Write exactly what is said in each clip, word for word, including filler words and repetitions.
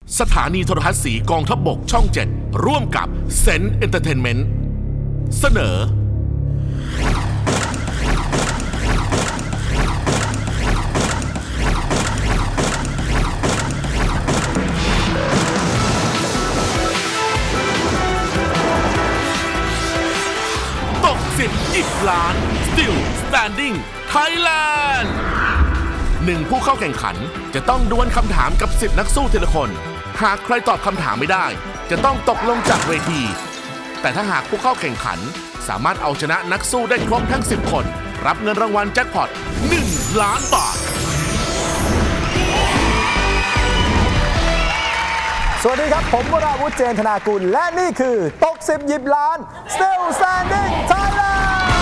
สถานีโทรทัศน์สีกองทัพบกช่องเจ็ดร่วมกับเซนเอนเตอร์เทนเมนต์เสนอตกสิบยิบล้าน Still Standing Thailand หนึ่งผู้เข้าแข่งขันจะต้องดวลคำถามกับสิบนักสู้ทีละคนหากใครตอบคำถามไม่ได้จะต้องตกลงจากเวทีแต่ถ้าหากผู้เข้าแข่งขันสามารถเอาชนะนักสู้ได้ครบทั้งสิบคนรับเงินรางวัลแจ็คพอตหนึ่งล้านบาทสวัสดีครับผมวราวุธเจนธนากุลและนี่คือตกสิบหยิบล้าน Still Standing Thailand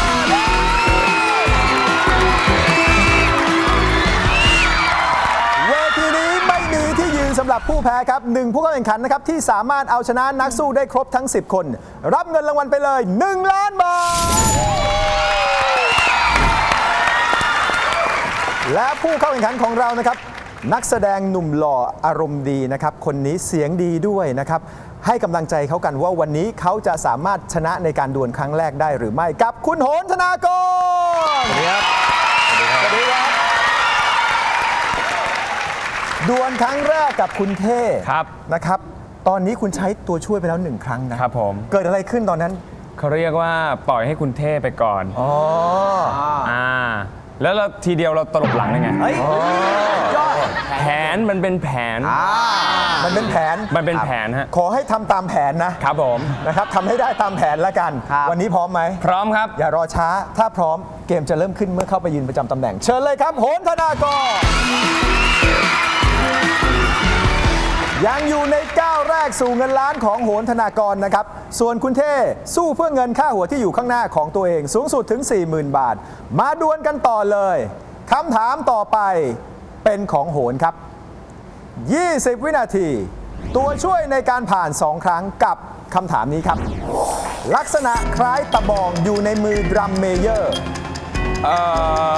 เวทีนี้ไม่มีที่ยืนสำหรับผู้แพ้ครับหนึ่งผู้เข้าแข่งขันนะครับที่สามารถเอาชนะนักสู้ได้ครบทั้งสิบคนรับเงินรางวัลไปเลยหนึ่งล้านบาทและผู้เข้าแข่งขันของเรานะครับนักแสดงหนุ่มหล่ออารมณ์ดีนะครับคนนี้เสียงดีด้วยนะครับให้กำลังใจเขากันว่าวันนี้เขาจะสามารถชนะในการดวลครั้งแรกได้หรือไม่กับคุณโหนธนากรสวัสดีครับสวัสดีครับดวลครั้งแรกกับคุณเท่ครับนะครับตอนนี้คุณใช้ตัวช่วยไปแล้วหนึ่งครั้งนะครับผมเกิดอะไรขึ้นตอนนั้นเขาเรียกว่าปล่อยให้คุณเท่ไปก่อนอ๋ออ่าแล้วเราทีเดียวเราตลบหลังได้ไงแผนมันเป็นแผนมันเป็นแผนมันเป็นแผนฮะขอให้ทำตามแผนนะครับผมนะครับทำให้ได้ตามแผนแล้วกันวันนี้พร้อมไหมพร้อมครับอย่ารอช้าถ้าพร้อมเกมจะเริ่มขึ้นเมื่อเข้าไปยืนประจำตำแหน่งเชิญเลยครับโหนธนากรยังอยู่ในก้าวแรกสู่เงินล้านของโหนธนากรนะครับส่วนคุณเท่สู้เพื่อเงินค่าหัวที่อยู่ข้างหน้าของตัวเองสูงสุดถึง สี่หมื่น บาทมาดวลกันต่อเลยคำถามต่อไปเป็นของโหนครับยี่สิบวินาทีตัวช่วยในการผ่านสองครั้งกับคำถามนี้ครับลักษณะคล้ายตะบองอยู่ในมือดรัมเมเยอร์เอ่อ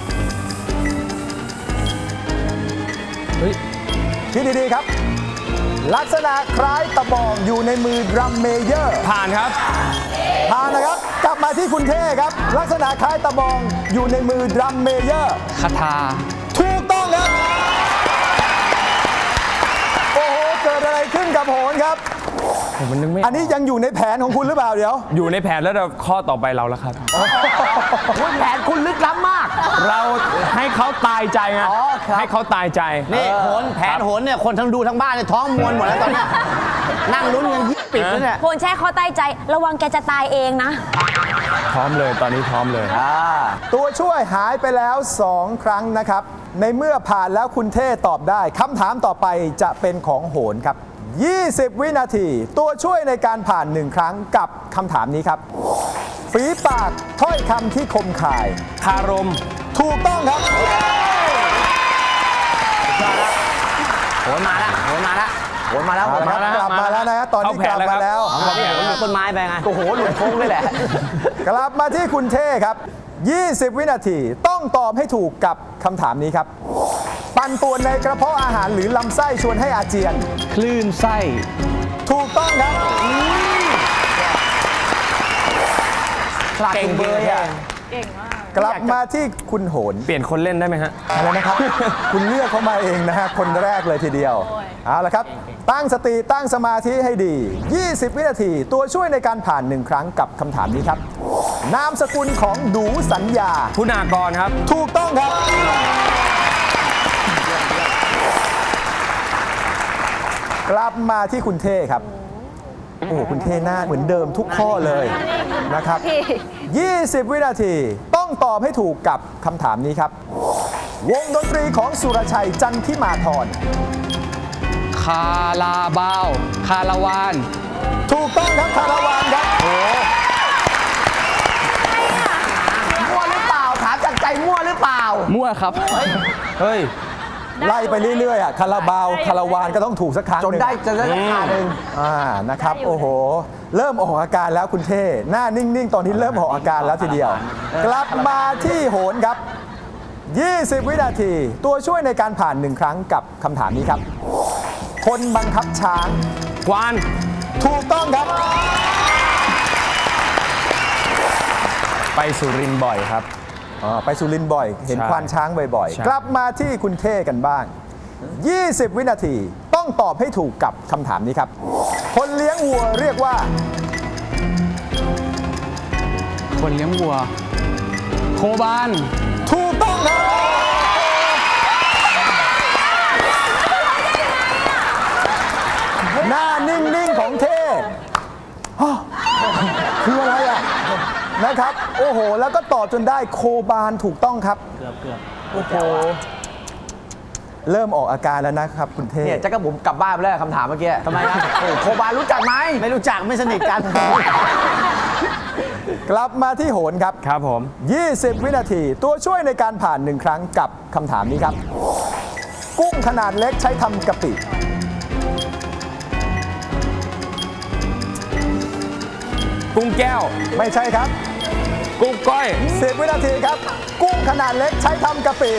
เฮ้ยคิดดีๆครับลักษณะคล้ายตะบองอยู่ในมือดรัมเมเยอร์ผ่านครับผ่านนะครับกลับมาที่คุณเท่ครับลักษณะคล้ายตะบองอยู่ในมือดรัมเมเยอร์คาถาถูกต้องครับโอ้โหเกิดอะไรขึ้นกับโหนครับผมมันนึกไม่อันนี้ยังอยู่ในแผนของคุณหรือเปล่าเดี๋ยวอยู่ในแผนแล้วเราข้อต่อไปเราแล้วครับแผนคุณลึกล้ำมากเราให้เขาตายใจไงให้เขาตายใจนี่โหนแผนโหนเนี่ยคนทั้งดูทั้งบ้านเนี่ยท้องมวนหมดแล้วตอนนี้นั่งลุ้นกันยิบปิดแล้วเนี่ยโหนแช่เขาตายใจระวังแกจะตายเองนะพร้อมเลยตอนนี้พร้อมเลยตัวช่วยหายไปแล้วสองครั้งนะครับในเมื่อผ่านแล้วคุณเท่ตอบได้คำถามต่อไปจะเป็นของโหนครับยี่สิบวินาทีตัวช่วยในการผ่านหนึ่งครั้งกับคำถามนี้ครับฝีปากถ้อยคำที่คมคายคารมถูกต้องครับโหนมาแล้วโหนมาแล้วโหนมาแล้วโหนมาแล้วกลับมาแล้วนะตอนนี้กลับมาแล้วเขาเนี่ยหลุดต้นไม้ไปไงโอ้โหหลุดโค้งเลยแหละกลับมาที่คุณเท่ครับยี่สิบวินาทีต้องตอบให้ถูกกับคำถามนี้ครับปั่นป่วนในกระเพาะอาหารหรือลำไส้ชวนให้อาเจียนคลื่นไส้ถูกต้องครับเก่งเบอร์อ่ะเก่งมากกลับมาที่คุณโหนเปลี่ยนคนเล่นได้ไหมฮะอะไรนะครับ คุณเลือกเขามาเองนะฮะคนแรกเลยทีเดียวเอาละครับตั้งสติตั้งสมาธิให้ดียี่สิบวินาทีตัวช่วยในการผ่านหนึ่งครั้งกับคำถามนี้ครับนามสกุลของดูสัญญาคุณากรครับถูกต้องครับกลับมาที่คุณเท่ครับโอ้โหคุณเท่หน้าเหมือนเดิมทุกข้อเลยนะครับยี่สิบวินาทีต้องตอบให้ถูกกับคำถามนี้ครับวงดนตรีของสุรชัยจันทิมาธรคาราบาวคาราวานถูกต้องครับคาราวานครับโอ้มั่วหรือเปล่าถามจากใจมั่วหรือเปล่ามั่วครับเฮ้ยไล่ไปเรื่อยๆอ่ะคาราบาวคาราวานก็ต้องถูกสักครั้งจนได้จะได้ราคาหนึ่งอ่านะครับโอ้โหเริ่มออกอาการแล้วคุณเท่หน้านิ่งๆตอนนี้เริ่มออกอาการแล้วทีเดียวกลับมาที่โหนครับยี่สิบวินาทีตัวช่วยในการผ่านหนึ่งครั้งกับคำถามนี้ครับ คคนบังคับช้างกวานถูกต้องครับไปสุรินทร์บ่อยครับอ๋อไปสุรินทร์บ่อย เห็นใช่ควานช้างบ่อยใช่ๆ กลับมาที่คุณเท่กันบ้าง ยี่สิบ วินาทีต้องตอบให้ถูกกับคำถามนี้ครับ คนเลี้ยงวัวเรียกว่าคนเลี้ยงวัว โคบานถูกต้องครับหน้านิ่ง ๆ ของเท่ฮะคืออะไรอ่ะ นะครับ โอ้โห แล้วก็ตอบจนได้โคบานถูกต้องครับเกือบเกือบโอ้โห เริ่มออกอาการแล้วนะครับคุณเท่เนี่ยจักรบุ๋มกลับบ้านไปแล้วคำถามเมื่อกี้ทำไมครับโอ้โคบานรู้จักไหมไม่รู้จักไม่สนิทกันกลับมาที่โหนครับครับผมยี่สิบ วินาที ตัวช่วยในการผ่านหนึ่งครั้งกับคำถามนี้ครับ กุ้งขนาดเล็กใช้ทำกะปิกุ้งแก้วไม่ใช่ครับกุ้งก้อยสิบ วินาทีครับ กุ้งขนาดเล็กใช้ทำกะปิ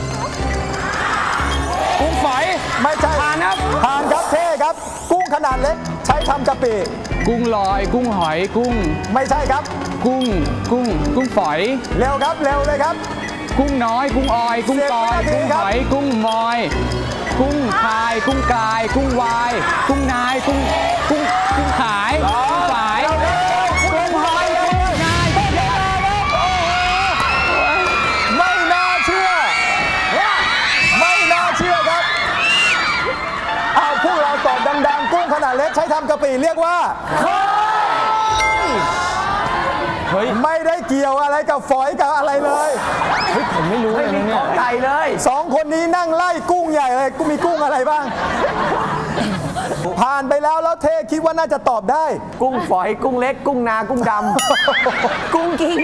กุ้งฝอยไม่ใช่ผ่านครับผ่านครับเท่ครับ กุ้งขนาดเล็กใช้ทำกะปิกุ้งลอย กุ้งหอย กุ้งไม่ใช่ครับกุ้ง กุ้ง กุ้งฝอยเร็วครับ เร็วเลยครับกุ้งน้อย กุ้งออย กุ้งกอยสิบวินาทีกุ้งครัหบอย กุ้งมอย กุ้งคาย กุ้งกาย กุ้งวาย กุ้งนาย กุ้ง กุ้ง กุ้งขาย กุ้งฝาย กุ้งหอย กุ้งนายกุ้งยายไม่น่าเชื่อ ไม่น่าเชื่อครับ เอาพวกเราตอบดังๆ กุ้งขนาดเล็กใช้ทำกะปิเรียกว่าเฮ้ยไม่ได้เกี่ยวอะไรกับฝอยกับอะไรเลยผมไม่รู้เลยนะเนี่ยไก่เลยสองคนนี้นั่งไล่กุ้งใหญ่เลยกูมีกุ้งอะไรบ้าง ผ่านไปแล้วแล้วเทคิดว่าน่าจะตอบได้กุ้งฝอยกุ้งเล็ก กุ้งนากุ้งดกุ้งกิ้ง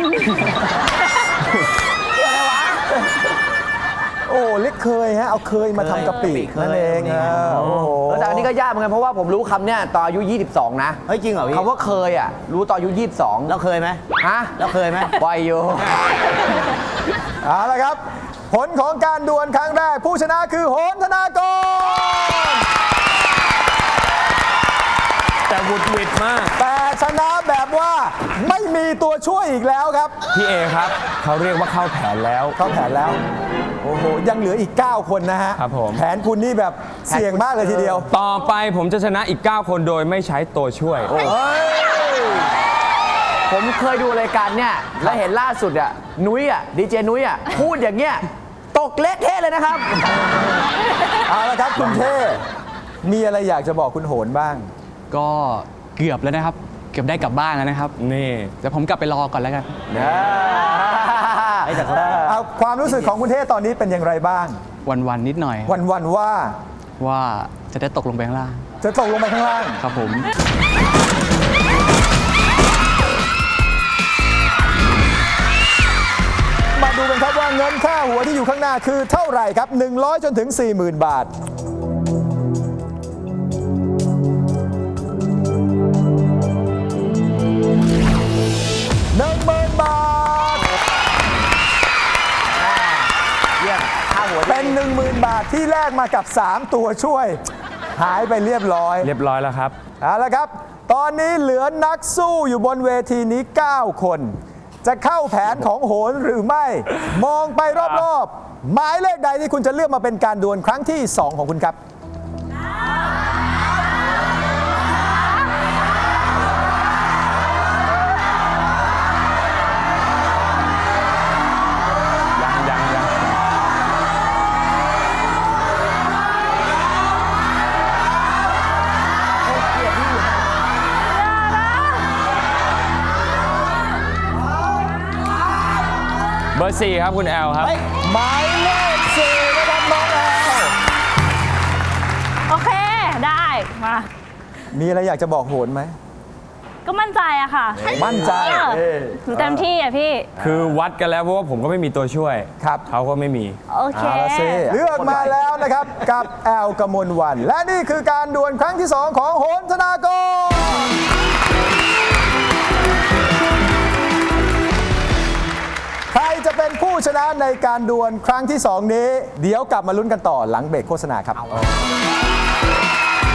โอ้เล็กเคยฮะเอาเคยมาทำกะปินั่นเองเออโอ้โหำแล้วแต่อันนี้ก็ยากเหมือนกันเพราะว่าผมรู้คำเนี่ยตอนอายุ ยี่สิบสอง นะเฮ้ยจริงเหรอพี่คำว่าเคยอ่ะ รู้ตอนอายุ ยี่สิบสองแล้วเคยไหมฮะแล้วเคยไหมปล่อยอยู่เอาละครับ ผลของการดวลครั้งแรกผู้ชนะคือโหนธนากรแต่วุดวิดมากแต่ชนะแบบว่าไม่มีตัวช่วยอีกแล้วครับพี่เอครับ เขาเรียกว่าเข้าแผนแล้วเข้าแผนแล้ว โอ้โห ยังเหลืออีก เก้า คนนะฮะครับผมแผนคุณนี่แบบเสี่ยงมากเลยทีเดียวต่อไปผมจะชนะอีก เก้า คนโดยไม่ใช้ตัวช่วยผมเคยดูรายการเนี่ยแล้วเห็นล่าสุดอ่ะนุ้ยอ่ะดีเจนุ้ยอ่ะพูดอย่างเงี้ยตกเละเทะเลยนะครับเอาละครับคุณเท่มีอะไรอยากจะบอกคุณโหนบ้างก็เกือบแล้วนะครับ เกือบได้กลับบ้านแล้วนะครับนี่เดี๋ยวผมกลับไปรอก่อนแล้วกันเอาความรู้สึกของคุณเท่ตอนนี้เป็นอย่างไรบ้างวันๆนิดหน่อยวันๆว่าว่าจะได้ตกลงไปข้างล่างจะตกลงไปข้างล่างครับผมมาดูกันครับว่าเงินค่าหัวที่อยู่ข้างหน้าคือเท่าไหร่ครับ หนึ่งร้อย จนถึง สี่หมื่น บาท หนึ่งหมื่น บาทเยี่ยมข้าวหัวเป็น หนึ่งหมื่น บาทที่แลกมากับ สาม ตัวช่วย หายไปเรียบร้อยเรียบร้อยแล้วครับเอาละครับ ตอนนี้เหลือนักสู้อยู่บนเวทีนี้ เก้า คน จะเข้าแผนของโหนหรือไม่ มองไปรอบๆ หมายเลขใดที่คุณจะเลือกมาเป็นการดวลครั้งที่ สอง ของคุณครับยังยังยัง เบอร์สี่ครับคุณแอลครับหมายเลขสี่นะครับน้องแอลโอเค ได้ มามีอะไรอยากจะบอกโหนไหมก็มั่นใจอะค่ะมั่นใจเออหนูเต็มที่อะพี่คือวัดกันแล้วเพราะว่าผมก็ไม่มีตัวช่วยครับเขาก็ไม่มีโอเคเอาละสิเลือกมาแล้วนะครับ กับแอลกมลวัน และนี่คือการดวลครั้งที่ สอง ของโหนธนากร ใครจะเป็นผู้ชนะในการดวลครั้งที่ สอง นี้ เดี๋ยวกลับมาลุ้นกันต่อหลังเบรกโฆษณาครับ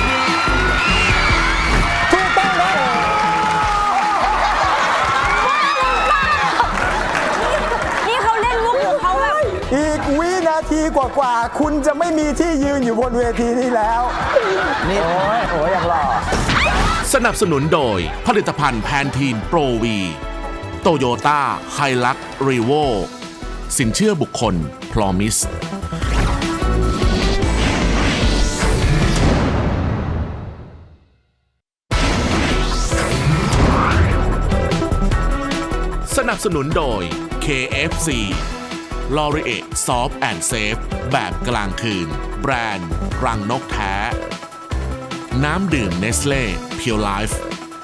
กว่าคุณจะไม่มีที่ยืนอยู่บนเวทีนี้แล้วนี่โอ้ยโอ้ยอย่างหล่อสนับสนุนโดยผลิตภัณฑ์แพนทีนโปรวีโตโยต้าไฮลักรีโวสินเชื่อบุคคลพรอมิสสนับสนุนโดย เค เอฟ ซี l o r i e Soft and Safe แบบกลางคืน แบรนด์รังนกแท้ น้ำดื่มเนสเล่เพียวไลฟ์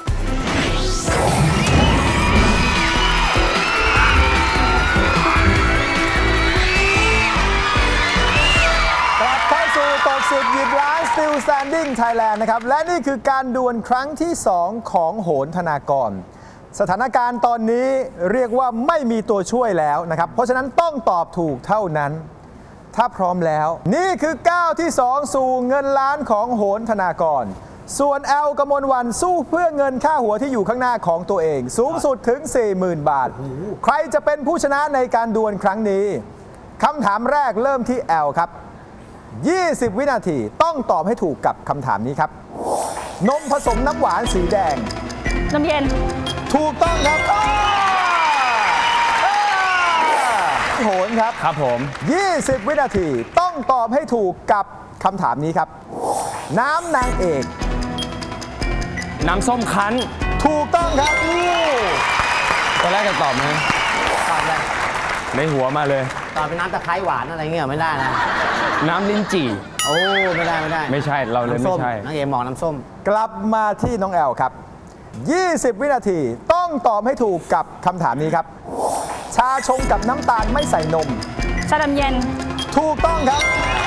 กลับเข้าสู่ตกสิบหยิบล้าน Still Standing Thailand นะครับ และนี่คือการดวลครั้งที่ สอง ของโหนธนากร สถานการณ์ตอนนี้เรียกว่าไม่มีตัวช่วยแล้วนะครับ เพราะฉะนั้นต้องตอบถูกเท่านั้น ถ้าพร้อมแล้ว นี่คือก้าวที่ สอง สู่เงินล้านของโหนธนากร ส่วนแอลกมลวันสู้เพื่อเงินค่าหัวที่อยู่ข้างหน้าของตัวเอง สูงสุดถึง สี่หมื่น บาท ใครจะเป็นผู้ชนะในการดวลครั้งนี้คำถามแรกเริ่มที่แอลครับ ยี่สิบ วินาทีต้องตอบให้ถูกกับคำถามนี้ครับ นมผสมน้ำหวานสีแดงน้ำเย็นถูกต้องครับอ้าอ้าโหนครับครับผมยี่สิบ วินาทีต้องตอบให้ถูกกับคำถามนี้ครับ น้ำนางเอกน้ำส้มคั้นถูกต้องครับอู้ตอนแรกจะตอบไหมตอบเลยในหัวมาเลยตอบเป็นน้ำตะไคร้หวานอะไรเงี้ยไม่ได้นะน้ำลิ้นจี่โอ้ไม่ได้ไม่ได้ไม่ใช่เราเลยน้ำส้ไม่ใช่น้องเอมองน้ำส้มกลับมาที่น้องแอลครับ ยี่สิบ วินาทีต้องตอบให้ถูกกับคำถามนี้ครับ ชาชงกับน้ำตาลไม่ใส่นมชาดำเย็นถูกต้องครับ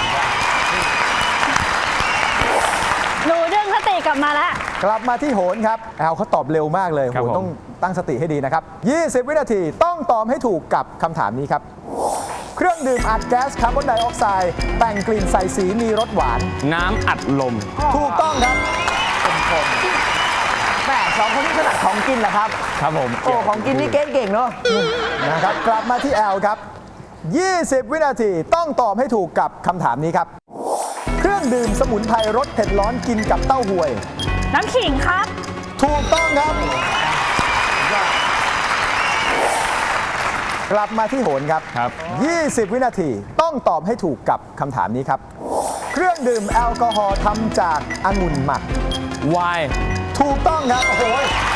หนูดึงสติกลับมาแล้วกลับมาที่โหนครับแอลเขาตอบเร็วมากเลยครับโหนผมต้องตั้งสติให้ดีนะครับ ยี่สิบ วินาทีต้องตอบให้ถูกกับคำถามนี้ครับ เครื่องดื่มอัดแก๊สคาร์บอนไดออกไซด์แต่งกลิ่นใส่สีมีรสหวานน้ำอัดลมถูกต้องครับแม่สองคนนี้ถนัดของกินเหรอครับครับผมโอ้ ของกินนี่เก่งๆเนาะนะครับกลับมาที่แอลครับ ยี่สิบ วินาทีต้องตอบให้ถูกกับคำถามนี้ครับ เครื่องดื่มสมุนไพรรสเผ็ดร้อนกินกับเต้าหวยน้ำขิงครับถูกต้องครับ กลับมาที่โหนครับครับยี่สิบ วินาทีต้องตอบให้ถูกกับคำถามนี้ครับ เครื่องดื่มแอลกอฮอล์ทำจากองุ่นหมักวายถูกต้องครับ โอ้โห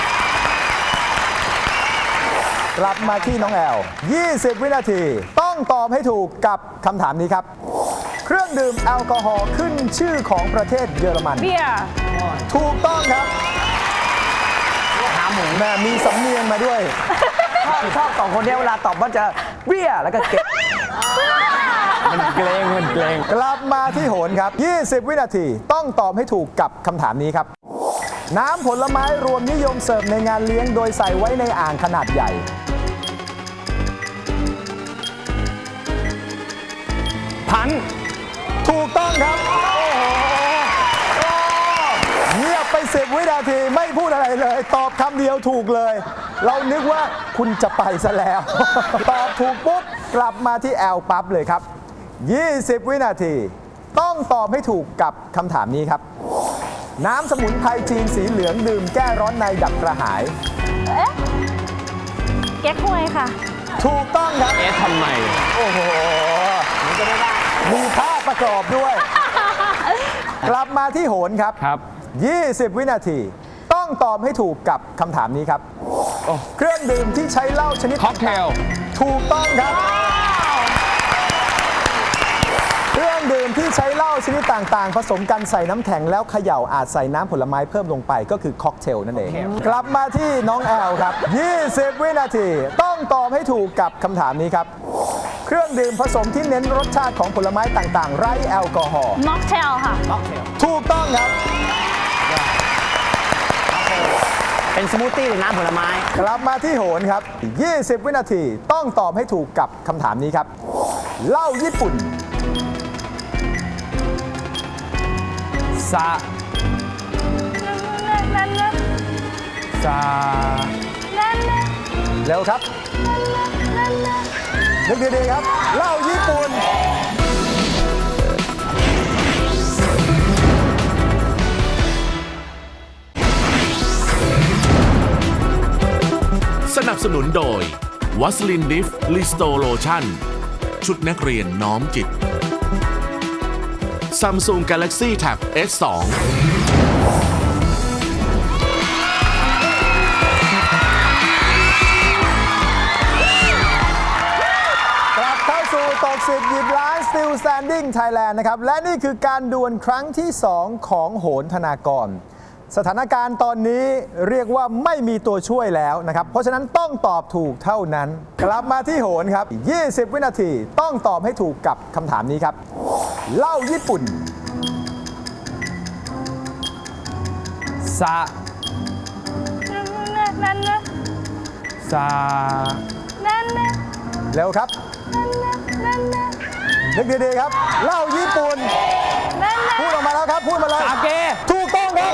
กลับมาที่น้องแอล ยี่สิบ วินาทีต้องตอบให้ถูกกับคำถามนี้ครับ เครื่องดื่มแอลกอฮอล์ขึ้นชื่อของประเทศเยอรมันเบียร์ถูกต้องครับแม่มีสำเนียงมาด้วยชอบชอบสองคนเนี้ยเวลาตอบว่าจะเบี้ยแล้วก็เก็บมันเกรงมันเกรงกลับมาที่โหนครับ ยี่สิบ วินาทีต้องตอบให้ถูกกับคำถามนี้ครับ น้ำผลไม้รวมนิยมเสิร์ฟในงานเลี้ยงโดยใส่ไว้ในอ่างขนาดใหญ่พันถูกต้องครับ โอ้โหโอ้เงียบไปสิบวินาทีไม่พูดอะไรเลย ตอบคำเดียวถูกเลย เรานึกว่าคุณจะไปซะแล้ว ตอบถูกปุ๊บ กลับมาที่แอลปั๊บเลยครับ ยี่สิบ วินาที ต้องตอบให้ถูกกับคำถามนี้ครับ น้ำสมุนไพรจีนสีเหลืองดื่มแก้ร้อนในดับกระหายเอ๊ะ เก๊กฮวยค่ะถูกต้องครับเอ๊ะทำไมโอ้โหมีภาพประกอบด้วย กลับมาที่โหนครับครับยี่สิบ วินาที ต้องตอบให้ถูกกับคำถามนี้ครับ เครื่องดื่มที่ใช้เหล้าชนิดค็อกเทลถูกต้องครับ เครื่องดื่มที่ใช้เหล้าชนิดต่างๆ ผสมกันใส่น้ำแข็งแล้วเขย่าอาจใส่น้ำผลไม้เพิ่มลงไปก็คือค็อกเทลนั่นเอง กลับมาที่น้องแอลครับ ยี่สิบ วินาที ต้องตอบให้ถูกกับคำถามนี้ครับ เครื่องดื่มผสมที่เน้นรสชาติของผลไม้ต่างๆ ไร้แอลกอฮอล์ม็อกเทลค่ะถูกต้องครับเป็นสมูทตี้หรือน้ำผลไม้กลับมาที่โหนครับ ยี่สิบ วินาทีต้องตอบให้ถูกกับคำถามนี้ครับเหล้าญี่ปุ่นซานั่นนั่นซานั่นนั่นเร็วครับนั่นนั่นนึกดีๆครับเหล้าญี่ปุ่นนับสนุนโดยวัสลินดิฟลิสโตโลชั่นชุดนักเรียนน้อมจิต Samsung Galaxy Tab เอส ทูกลับเข้าสู่ตกสิบหยิบล้าน Still Standing Thailand นะครับ และนี่คือการดวลครั้งที่ สอง ของโหนธนากร สถานการณ์ตอนนี้เรียกว่าไม่มีตัวช่วยแล้วนะครับ เพราะฉะนั้นต้องตอบถูกเท่านั้น กลับมาที่โหนครับ ยี่สิบ วินาทีต้องตอบให้ถูกกับคำถามนี้ครับเหล้าญี่ปุ่นซานั่นนะซานั่นนะเร็วครับนั่นนะนึกดีๆครับเหล้าญี่ปุ่นนั่นนะพูดออกมาแล้วครับพูดมาเลยสาเกถูกต้องครับ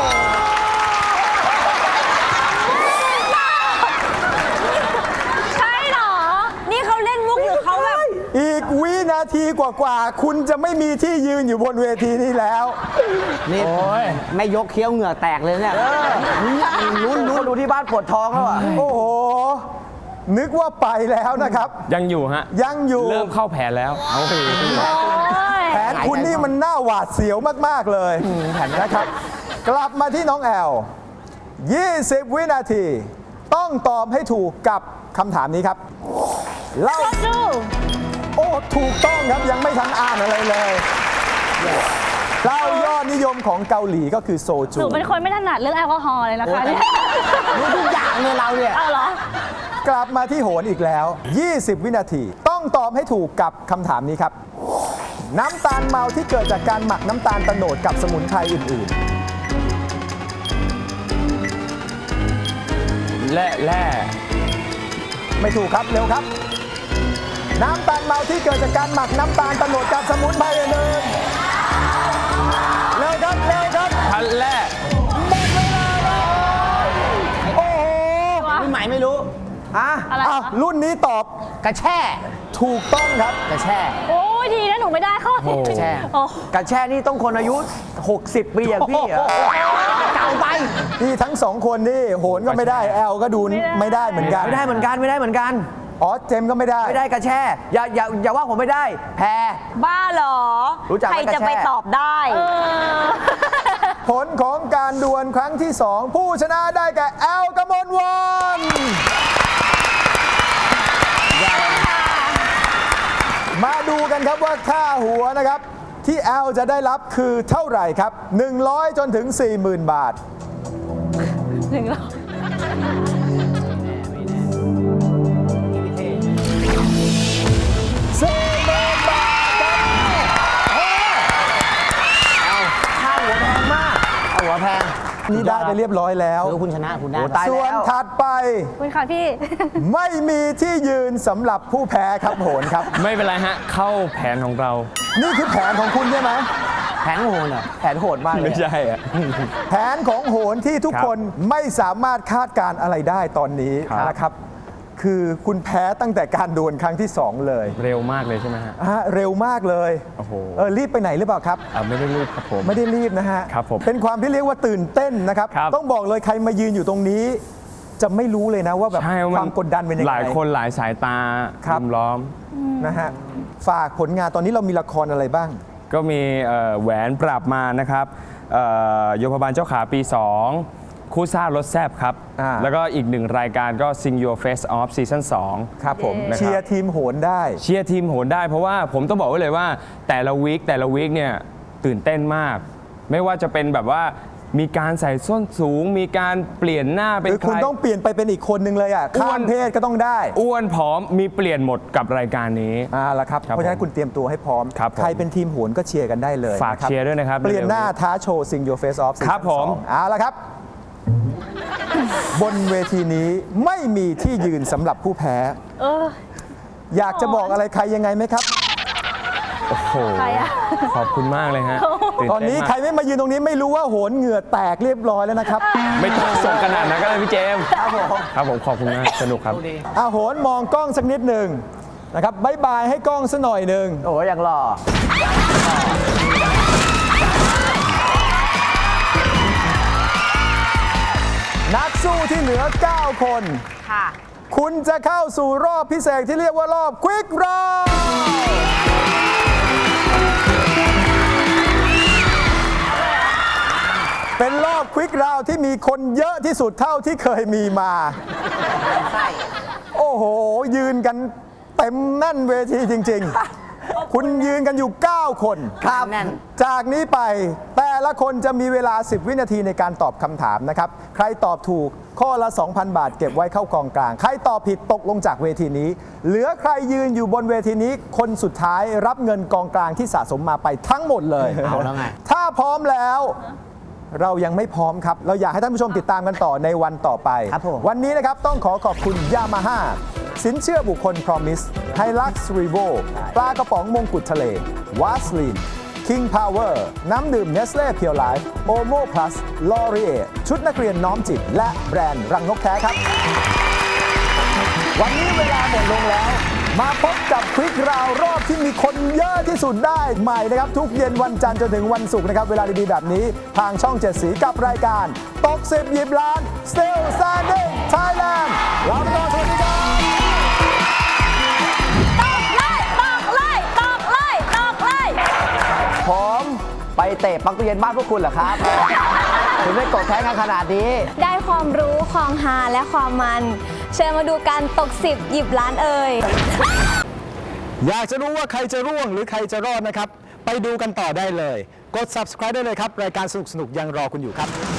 ใช่เหรอ นี่เขาเล่นมุกหรือเขาแบบอีกวินาทีกว่าๆคุณจะไม่มีที่ยืนอยู่บนเวทีนี้แล้วนี่ไม่ยกเคี้ยวเหงื่อแตกเลยเนี่ยลุ้นลุ้นดูที่บ้านปวดท้องแล้วอ่ะโอ้โห นึกว่าไปแล้วนะครับยังอยู่ฮะยังอยู่เริ่มเข้าแผนแล้วโอ้ยแผนคุณนี่มันน่าหวาดเสียวมาก ๆ เลยแผนนะครับ กลับมาที่น้องแอล ยี่สิบ วินาที ต้องตอบให้ถูกกับคำถามนี้ครับเล่าดูโอ้ ถูกต้องครับยังไม่ทันอ่านอะไรเลยเหล้ายอดนิยมของเกาหลีก็คือโซหจูนูเป็นคนไม่ถนัดเรื่องแอลกอฮอล์เลยนะคะเนี่ยรู้ทุกอย่างเลยเราเนี่ยเอาเหรอกลับมาที่โหนอีกแล้ว ยี่สิบ วินาที ต้องตอบให้ถูกกับคำถามนี้ครับ น้ำตาลเมาที่เกิดจากการหมักน้ำตาลโตโนดกับสมุนไพรอื่นและแร่ๆ ไม่ถูกครับเร็วครับ น้ำตาลเมาที่เกิดจากการหมักน้ำตาลโตโนดกับสมุนไพรอื่นๆเร็วครับเร็วครับพันแร่หมดเวลาแล้วโอ้โหรุ่นใหม่ไม่รู้ฮะอะไรอ้าววะรุ่นนี้ตอบกระแช่ถูกต้องครับกระแช่โอ้ยดีนะหนูไม่ได้ข้อนี้แช่โอ้กระแช่นี่ต้องคนอายุ หกสิบ ปีอย่างพี่เหรอเก่าไปนี่ทั้งสองคนนี่โหนก็ไม่ได้แอลก็ดูไม่ได้เหมือนกันไม่ได้เหมือนกันไม่ได้เหมือนกันอ๋อเจมส์ก็ไม่ได้ไม่ได้กระแช่ อย่าอย่าอย่าว่าผมไม่ได้ แพรบ้าเหรอรู้จักไหมใครจะไปกระแช่ตอบได้เออผลของการดวลครั้งที่สองผู้ชนะได้แก่แอลกมลวันมาดูกันครับว่าค่าหัวนะครับ ที่แอลจะได้รับคือเท่าไหร่ครับ หนึ่งร้อย จนถึง สี่หมื่น บาทหนึ่งร้อยสี่หมื่น บาทครับค่าหัวแพงมากเอาหัวแพงนี่ได้ไปเรียบร้อยแล้วคือคุณชนะคุณได้โอ้ตายส่วนแล้วถัดไปคุณค่ะพี่ไม่มีที่ยืนสำหรับผู้แพ้ครับโหนครับไม่เป็นไรฮะ เข้าแผนของเรานี่คือแผนของคุณใช่ไหมแผงโหนเหรอแผนโหดมากเลไม่ยใช่อะแผนของโหนที่ทุกครับคนไม่สามารถคาดการณ์อะไรได้ตอนนี้ครับนะครับ คือคุณแพ้ตั้งแต่การดวลครั้งที่สองเลยเร็วมากเลยใช่ไหมฮะอ่ะเร็วมากเลยโอ้โหเออรีบไปไหนหรือเปล่าครับอ่าไม่ได้รีบครับผมไม่ได้รีบนะฮะครับผมเป็นความที่เรียกว่าตื่นเต้นนะครับครับต้องบอกเลยใครมายืนอยู่ตรงนี้ จะไม่รู้เลยนะว่าแบบใช่ความกดดันเป็นยังไงหลายคนหลายสายตาครับรุมล้อมนะฮะฝากผลงานตอนนี้เรามีละครอะไรบ้างก็มีเอ่อแหวนปราบมารนะครับเอ่อโยพบาลเจ้าขาปี สอง คู่ซ่ารถแซบครับอ่าแล้วก็อีกหนึ่งรายการก็ Sing Your Face Off ซีซั่นสองครับผมนะครับเชียร์ทีมโหนได้เชียร์ทีมโหนได้เพราะว่าผมต้องบอกไว้เลยว่าแต่ละวีคแต่ละวีคเนี่ยตื่นเต้นมาก ไม่ว่าจะเป็นแบบว่ามีการใส่ส้นสูง มีการเปลี่ยนหน้าเป็นคือใคคุณรต้องเปลี่ยนไปเป็นอีกคนนึงเลยอ่ะอ้ข้าวนมเพศก็ต้องได้อ้วนผอมมีเปลี่ยนหมดกับรายการนี้อ่าละครับครับเพราะฉะนั้นผมคุณเตรียมตัวให้พร้อมครับผมใครเป็นทีมโหนก็เชียร์กันได้เลยฝากนะคบเชียร์ด้วยนะครับเปลี่ยนหน้าเร็วๆนี้ท้าโชว์ Sing Your Face Off ครับผมซีซั่นสองเอาละครับ บนเวทีนี้ไม่มีที่ยืนสำหรับผู้แพ้เอออยากจะบอกอะไรใครยังไงไหมครับโอ้โหใครอะขอบคุณมากเลยฮะตอนนี้ใครไม่มายืนตรงนี้ไม่รู้ว่าโหนเหงื่อแตกเรียบร้อยแล้วนะครับไม่ต้องส่งขนาดนั้นก็ได้พี่เจมส์ครับผมครับผมขอบคุณมากสนุกครับอาโหนมองกล้องสักนิดหนึ่งนะครับบายบายให้กล้องสักหน่อยหนึ่งโอ้ยอย่างหล่อนักสู้ที่เหลือ เก้า คนค่ะคุณจะเข้าสู่รอบพิเศษที่เรียกว่ารอบ Quick Round เป็นรอบ Quick Round ที่มีคนเยอะที่สุดเท่าที่เคยมีมา โอ้โห ยืนกันเต็มแน่นเวทีจริง ๆ คุณยืนกันอยู่ เก้า คนครับแน่นจากนี้ไปแต่ละคนจะมีเวลา สิบ วินาทีในการตอบคำถามนะครับ ใครตอบถูกข้อละ สองพัน บาทเก็บไว้เข้ากองกลาง ใครตอบผิดตกลงจากเวทีนี้ เหลือใครยืนอยู่บนเวทีนี้ คนสุดท้ายรับเงินกองกลางที่สะสมมาไปทั้งหมดเลยเอาแล้วไงถ้าพร้อมแล้ว เรายังไม่พร้อมครับ เราอยากให้ท่านผู้ชมติดตามกันต่อในวันต่อไปครับผมวันนี้นะครับต้องขอขอบคุณยามาฮ่าสินเชื่อบุคคล Promise ไฮลักซ์รีโวปลากระป๋องมงกุฎทะเลวาสลีน King Power น้ำดื่ม Nestle Pure Life Omo Plus L'Oreal ชุดนักเรียนน้อมจิต และแบรนด์รังนกแท้ครับ วันนี้เวลาหมดลงแล้ว มาพบกับควิกราวรอบที่มีคนเยอะที่สุดได้ใหม่นะครับ ทุกเย็นวันจันทร์จนถึงวันศุกร์นะครับ เวลาดีๆแบบนี้ ทางช่องเจ็ดสีกับรายการตกสิบหยิบล้าน Still Standing Thailand ลาไปก่อนสวัสดีครับตอกเลยตอกเลยตอกเลยผมไปเตะปลั๊กตู้เย็นบ้านพวกคุณเหรอครับ ถึงได้กดแท้งกันขนาดนี้ได้ความรู้ความฮาและความมัน เชิญมาดูการตกสิบหยิบล้านเอ่ยอยากจะรู้ว่าใครจะร่วงหรือใครจะรอดนะครับ ไปดูกันต่อได้เลย กด Subscribe ได้เลยครับ รายการสนุกๆยังรอคุณอยู่ครับ